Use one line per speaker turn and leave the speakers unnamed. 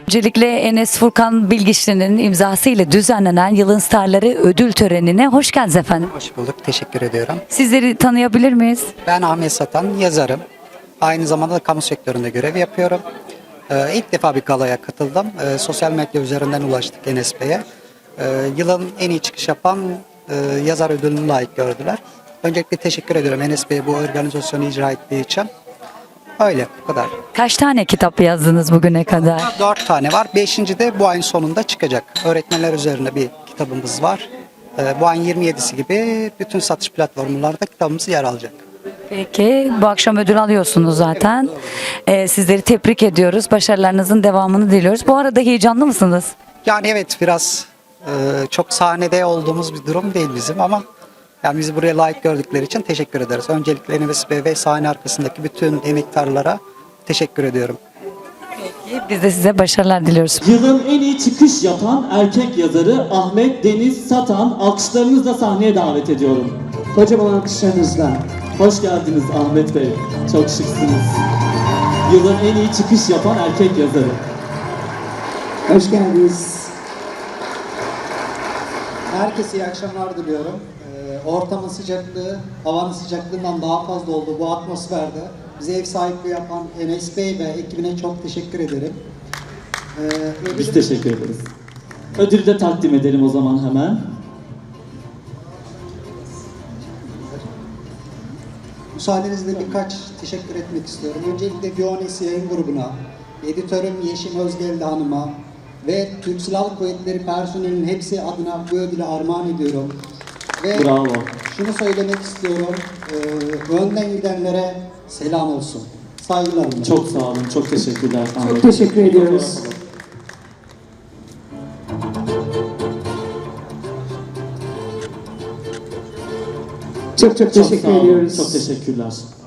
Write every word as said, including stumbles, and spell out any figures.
Öncelikle Enes Furkan Bilgiçli'nin imzasıyla düzenlenen Yılın Starları ödül törenine hoş geldiniz efendim.
Hoş bulduk, teşekkür ediyorum.
Sizleri tanıyabilir miyiz?
Ben Ahmet Satan, yazarım. Aynı zamanda da kamu sektöründe görev yapıyorum. Ee, ilk defa bir galaya katıldım. Ee, sosyal medya üzerinden ulaştık Enes Bey'e. Ee, yılın en iyi çıkış yapan e, yazar ödülünü layık gördüler. Öncelikle teşekkür ediyorum Enes Bey'e bu organizasyonu icra ettiği için. Öyle, bu kadar.
Kaç tane kitap yazdınız bugüne kadar?
Dört tane var. Beşinci de bu ayın sonunda çıkacak. Öğretmenler üzerine bir kitabımız var. Ee, bu ayın yirmi yedisi gibi bütün satış platformlarında kitabımız yer alacak.
Peki bu akşam ödül alıyorsunuz zaten. Ee, sizleri tebrik ediyoruz. Başarılarınızın devamını diliyoruz. Bu arada heyecanlı mısınız?
Yani evet biraz e, çok sahnede olduğumuz bir durum değil bizim ama yani bizi buraya layık gördükleri için teşekkür ederiz. Öncelikle Enes Bey ve sahne arkasındaki bütün emektarlara teşekkür ediyorum.
Peki, biz de size başarılar diliyoruz.
Yılın en iyi çıkış yapan erkek yazarı Ahmet Deniz Satan, alkışlarınızla sahneye davet ediyorum.
Kocaman alkışlarınızla.
Hoş geldiniz Ahmet Bey. Çok şıksınız. Yılın en iyi çıkış yapan erkek yazarı.
Hoş geldiniz.
Herkese iyi akşamlar diliyorum. Ee, ortamın sıcaklığı, havanın sıcaklığından daha fazla oldu bu atmosferde. Bize ev sahipliği yapan Enes Bey ve ekibine çok teşekkür ederim. Ee,
Biz teşekkür ederiz. Ödülü de takdim edelim o zaman hemen.
Müsaadenizle birkaç teşekkür etmek istiyorum. Öncelikle Bionis Yayın Grubu'na, editörüm Yeşim Özgeldi Hanım'a ve Türk Silahlı Kuvvetleri personelinin hepsi adına bu ödülü armağan ediyorum. Ve
Bravo.
şunu söylemek istiyorum, e, önden gidenlere selam olsun. Saygılarımla.
Çok sağ olun. Çok teşekkürler Ahmet
Çok
Bey.
teşekkür ediyoruz. Çok çok
Çok sağ
teşekkür
olun.
ediyoruz.
Çok teşekkürler.